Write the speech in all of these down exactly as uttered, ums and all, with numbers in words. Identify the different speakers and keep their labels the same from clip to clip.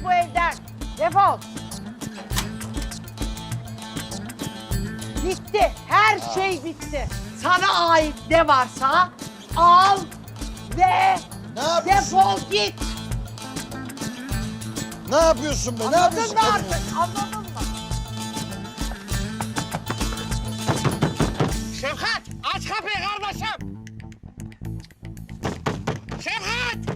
Speaker 1: bu evden. Defol. Bitti. Her şey bitti. Sana ait ne varsa al ve
Speaker 2: Ne yapıyorsun?
Speaker 1: defol git.
Speaker 2: Ne yapıyorsun be? Ne
Speaker 1: Anladın
Speaker 2: yapıyorsun?
Speaker 1: mı artık? Anladın mı?
Speaker 3: Şefkat, aç kapıyı kardeşim. Şefkat!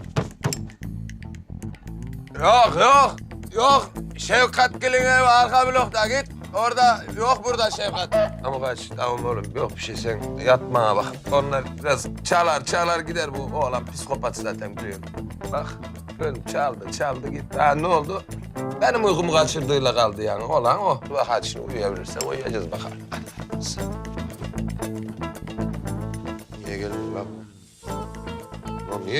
Speaker 4: Yok yok yok. Şefkat Gül'ün evi arka blokta git. Orada yok burada Şefkat. Ama kaç tamam oğlum yok bir şey sen yatmaya bak. Onlar biraz çalar çalar gider bu oğlan psikopat zaten biliyorum. Bak gördüm çaldı çaldı gitti. Ha ne oldu? Benim uykumu kaçırdığıyla kaldı yani olan o. Bak hadi şimdi uyuyabilirsen uyuyacağız bakalım. Hadi. Niye geldin lan? Lan niye?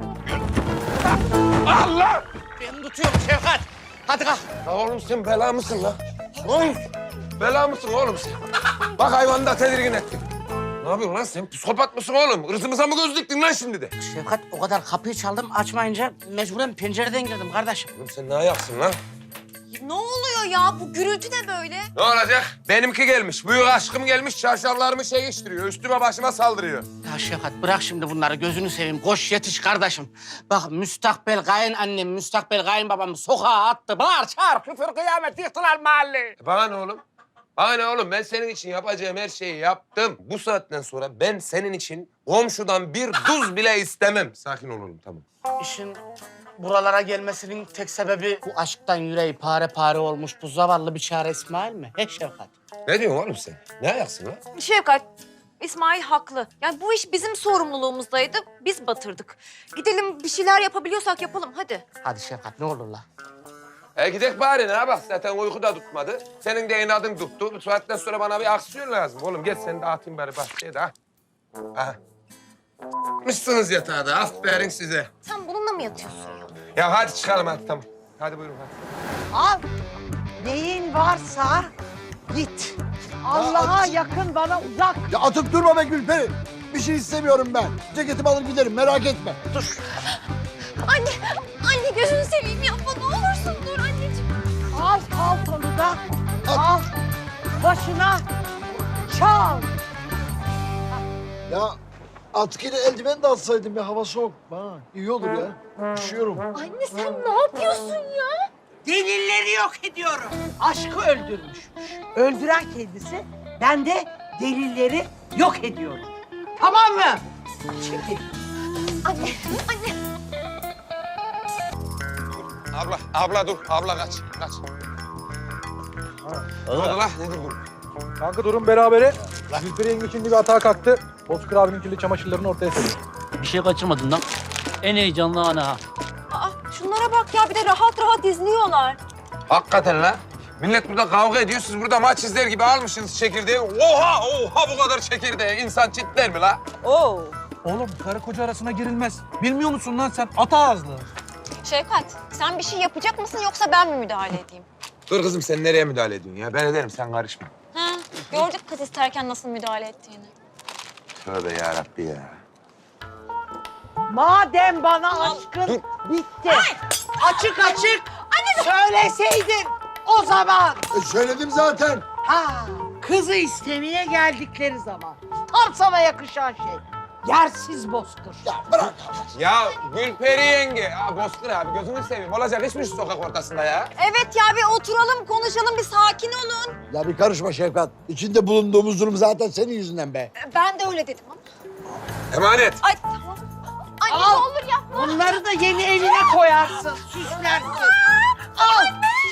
Speaker 4: Allah!
Speaker 3: Ben tutuyorum Şefkat. Hadi kalk.
Speaker 4: Ya oğlum sen bela mısın lan? Oğlum bela mısın oğlum sen? Bak hayvanı da tedirgin ettin. Ne yapıyorsun lan sen? Psikopat mısın oğlum? Hırsımıza mı göz diktin lan şimdi de?
Speaker 3: Şefkat o kadar kapıyı çaldım açmayınca mecburen pencereden girdim kardeşim.
Speaker 4: Oğlum sen ne ayaksın lan?
Speaker 5: Ne oluyor ya? Bu gürültü ne böyle?
Speaker 4: Ne olacak? Benimki gelmiş. Büyük aşkım gelmiş. Çarşaflarımı şey geçtiriyor. Üstüme başıma saldırıyor.
Speaker 3: Ya Şefkat bırak şimdi bunları gözünü seveyim. Koş yetiş kardeşim. Bak müstakbel kayınannem, müstakbel kayınbabam sokağa attı. Bağır çağır küfür kıyamet yıktılar mahalleyi.
Speaker 4: E bana ne oğlum? Bana ne oğlum? Ben senin için yapacağım her şeyi yaptım. Bu saatten sonra ben senin için komşudan bir duz bile istemem. Sakin ol oğlum tamam.
Speaker 3: İşin buralara gelmesinin tek sebebi bu aşktan yüreği pare pare olmuş bu zavallı bir çare İsmail mi? He Şefkat?
Speaker 4: Ne diyorsun oğlum sen? Ne ayaksın lan?
Speaker 5: Şefkat, İsmail haklı. Yani bu iş bizim sorumluluğumuzdaydı. Biz batırdık. Gidelim bir şeyler yapabiliyorsak yapalım hadi.
Speaker 3: Hadi Şefkat ne olur la.
Speaker 4: E gidek bari ne bak zaten uyku da tutmadı. Senin de inadın tuttu. Bu saatten sonra bana bir aksiyon lazım. Oğlum gel seni dağıtayım bari bahçeye de ha. Ha. Mışsınız yatağa da aferin size.
Speaker 5: Sen bununla mı yatıyorsun ya?
Speaker 4: Ya hadi çıkalım hadi tamam. Hadi buyurun hadi.
Speaker 1: Al. Neyin varsa git. Allah'a yakın, bana uzak.
Speaker 2: Ya atıp durma be Gülperi. Bir şey istemiyorum ben. Ceketimi alır giderim merak etme.
Speaker 3: Dur.
Speaker 5: Anne, anne gözünü seveyim yapma ne olursun dur anneciğim.
Speaker 1: Al paltonu da. Al. Başına çal.
Speaker 2: Ya atkıyla eldiven de alsaydım ya hava soğuk. Ha, iyi olur ya. Üşüyorum.
Speaker 5: Anne sen ne yapıyorsun ya?
Speaker 1: Delilleri yok ediyorum. Aşkı öldürmüş. Öldüren kendisi, ben de delilleri yok ediyorum. Tamam mı? Çekil.
Speaker 5: Anne, anne.
Speaker 4: Abla, abla dur. Abla kaç, kaç. Ne oldu lan? Nedir bu?
Speaker 6: Kanka durum berabere. Gülperi yenge şimdi bir atağa kalktı. Bozkır abinin kirli çamaşırlarını ortaya seriyor.
Speaker 7: Bir şey kaçırmadın lan. En heyecanlı ana ha.
Speaker 5: Aa, şunlara bak ya bir de rahat rahat izliyorlar.
Speaker 4: Hakikaten lan. Millet burada kavga ediyor. Siz burada maç izler gibi almışsınız çekirdeği. Oha, oha bu kadar çekirdeği. İnsan çitler mi la?
Speaker 5: Oo.
Speaker 6: Oğlum karı koca arasına girilmez. Bilmiyor musun lan sen ata ağızlı?
Speaker 5: Şefkat sen bir şey yapacak mısın yoksa ben mi müdahale edeyim?
Speaker 4: Dur kızım sen nereye müdahale ediyorsun ya? Ben ederim sen karışma.
Speaker 5: Ha, gördük kız isterken nasıl müdahale ettiğini.
Speaker 4: Tövbe yarabbi ya.
Speaker 1: Madem bana aşkın bitti. Açık açık söyleseydin o zaman.
Speaker 2: E, söyledim zaten.
Speaker 1: Ha, kızı istemeye geldikleri zaman. Tam sana yakışan şey. Yersiz bozkır.
Speaker 2: Ya bırak.
Speaker 4: Ya Gülperi yenge. Ya Bozkır abi gözünü seveyim. Olacak hiç mi şu sokak ortasında ya?
Speaker 5: Evet ya bir oturalım konuşalım bir sakin olun.
Speaker 2: Ya bir karışma Şefkat. İçinde bulunduğumuz durum zaten senin yüzünden be.
Speaker 5: Ben de öyle dedim ama.
Speaker 4: Emanet.
Speaker 5: Ay tamam. Anne
Speaker 1: Al.
Speaker 5: ne olur yapma.
Speaker 1: Bunları da yeni evine koyarsın, süslersin. Al.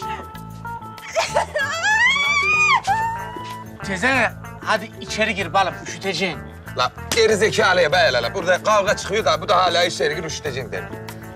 Speaker 3: Teyze hadi içeri gir balım üşüteceksin.
Speaker 4: La geri zekalıya be la la. Burada kavga çıkıyor da bu da hala içeri gir üşüteceksin der.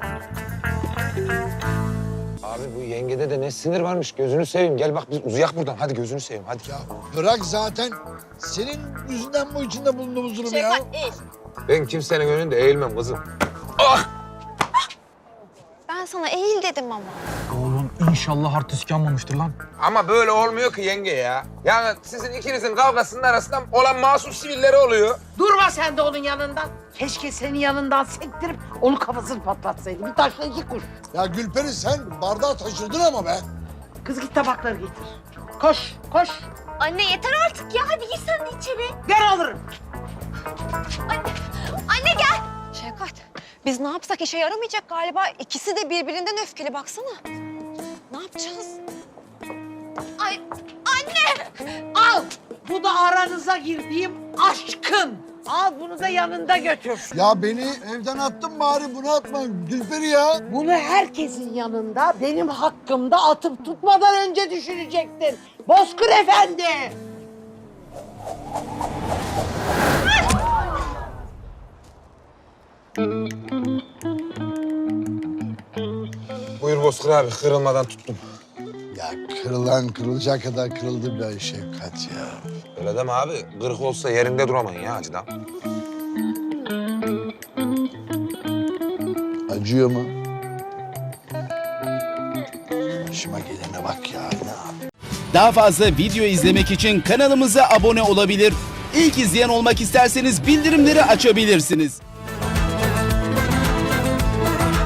Speaker 4: Abi bu yengede de ne sinir varmış gözünü seveyim. Gel bak biz uzayak buradan. Hadi gözünü seveyim hadi.
Speaker 2: Ya bırak zaten. Senin yüzünden bu içinde bulunduğumuz durum ya.
Speaker 5: Şefkat eğil.
Speaker 4: Ben kimsenin önünde eğilmem kızım. Ah!
Speaker 5: Ben sana eğil dedim ama.
Speaker 6: Oğlum inşallah artist yanmamıştır lan.
Speaker 4: Ama böyle olmuyor ki yenge ya. Yani sizin ikinizin kavgasının arasında olan masum sivilleri oluyor.
Speaker 1: Durma sen de onun yanından. Keşke senin yanından sektirip Onun kafasını patlatsaydı. Bir taşla iki kuş.
Speaker 2: Ya Gülperi sen bardağı taşırdın ama be.
Speaker 1: Kız git tabakları getir. Koş, koş.
Speaker 5: Anne yeter artık ya. Hadi gir sen de içeri.
Speaker 1: Gel alırım.
Speaker 5: Anne, anne gel. Şevkat, biz ne yapsak işe yaramayacak galiba. İkisi de birbirinden öfkeli baksana. Ne yapacağız? Ay, anne!
Speaker 1: Al. Bu da aranıza girdiğim aşkın. Al bunu da yanında götür.
Speaker 2: Ya beni evden attın bari bunu atma Gülperi ya.
Speaker 1: Bunu herkesin yanında benim hakkımda atıp tutmadan önce düşünecektin. Bozkır Efendi.
Speaker 4: Buyur Bozkır abi, kırılmadan tuttum.
Speaker 2: Ya kırılan kırılacak kadar kırıldı be Şevkat ya.
Speaker 4: Öyle deme abi, kırık olsa yerinde duramayın ya acıdan.
Speaker 2: Acıyor mu? Başıma gelene bak ya. Ne yap-
Speaker 8: Daha fazla video izlemek için kanalımıza abone olabilir. İlk izleyen olmak isterseniz bildirimleri açabilirsiniz.